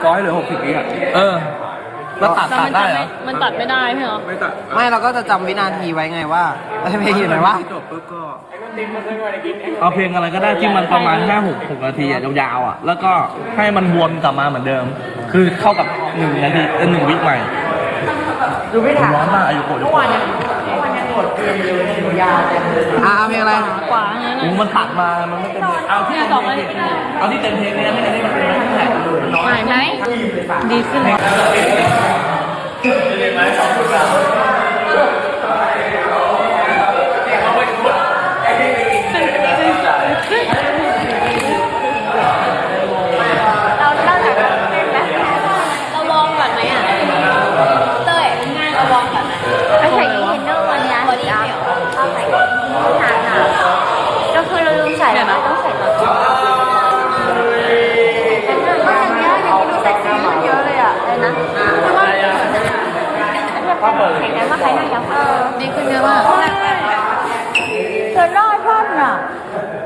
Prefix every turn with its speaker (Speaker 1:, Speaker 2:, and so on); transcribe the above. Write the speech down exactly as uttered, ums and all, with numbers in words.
Speaker 1: ก้อยเหลือหกสิบวิอ่ะ
Speaker 2: เออแล้วตัดตัดได้เหรอ
Speaker 3: มันตัดไม่ได้ใช่เหรอ
Speaker 1: ไม่ตัด
Speaker 4: ไม่เราก็จะจำวินาทีไว้ไงว่าเพลงอยู่ไหนวะ
Speaker 1: จบปุ๊บก็
Speaker 2: เอาเพลงอะไรก็ได้ที่มันประมาณห้าหกหกนาทีอะยาวๆอ่ะแล้วก็ให้มันวนกลับมาเหมือนเดิม คือเข้ากับหนึ่งนาทีเออหนึ่งวิใหม่
Speaker 4: ดูไม่ทัน
Speaker 2: ร้อนมากอายุโกะอายุโกะ
Speaker 4: อ่ะเอาเพลงอะไร
Speaker 3: ขวางั้น
Speaker 2: โอ้
Speaker 3: น่ะ
Speaker 2: มันตัดมามันไม่เต็มเอาที่
Speaker 3: เนี่ย
Speaker 2: เต็
Speaker 3: ต่อ
Speaker 2: ม
Speaker 3: ไป
Speaker 2: เพลงเอาที่เต็มเพลงเนี่ยไม่ได้มันเป็นแค่น้อย
Speaker 3: หายไหมดีขึ้น
Speaker 5: เราเล่าจากเล่นไหมเราวอร์มก่อนไหมอ่ะเต้ยง่ายเราวอร์มก่อนไหมไม่ใส่ยีนเนอร์วันนี้บอดี้เดี่ยวเอาใส่หนาหนาก็คือเราลืมใส่แล้วต้องใส่ตอนจบก็อย่างเงี้ยอย่างนี้ดูเซ็กซี่ขึ้นเยอะเลยอ่ะเลยนะคือว่าเห็นไหมว่าใครหน้ายับเออ
Speaker 3: ดีขึ้นเยอะมาก
Speaker 5: เธอรอดท่อนอ่ะ